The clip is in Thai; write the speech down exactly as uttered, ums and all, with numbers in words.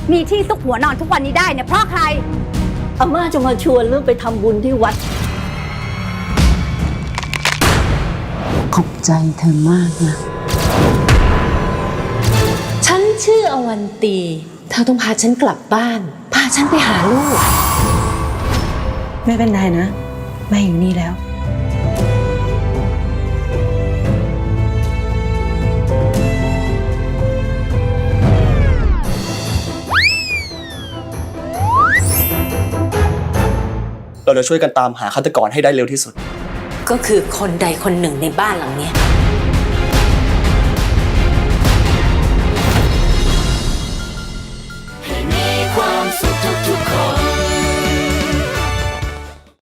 มีที่ซุกหัวนอนทุกวันนี้ได้เนี่ยเพราะใครอาม่าจะมาชวนเรื่องไปทำบุญที่วัดขอบใจเธอมากนะฉันชื่ออวันตีเธอต้องพาฉันกลับบ้านพาฉันไปหาลูกไม่เป็นไรนะแม่อยู่นี่แล้วเราจะช่วยกันตามหาฆาตกรให้ได้เร็วที่สุดก็คือคนใดคนหนึ่งในบ้านหลังนี้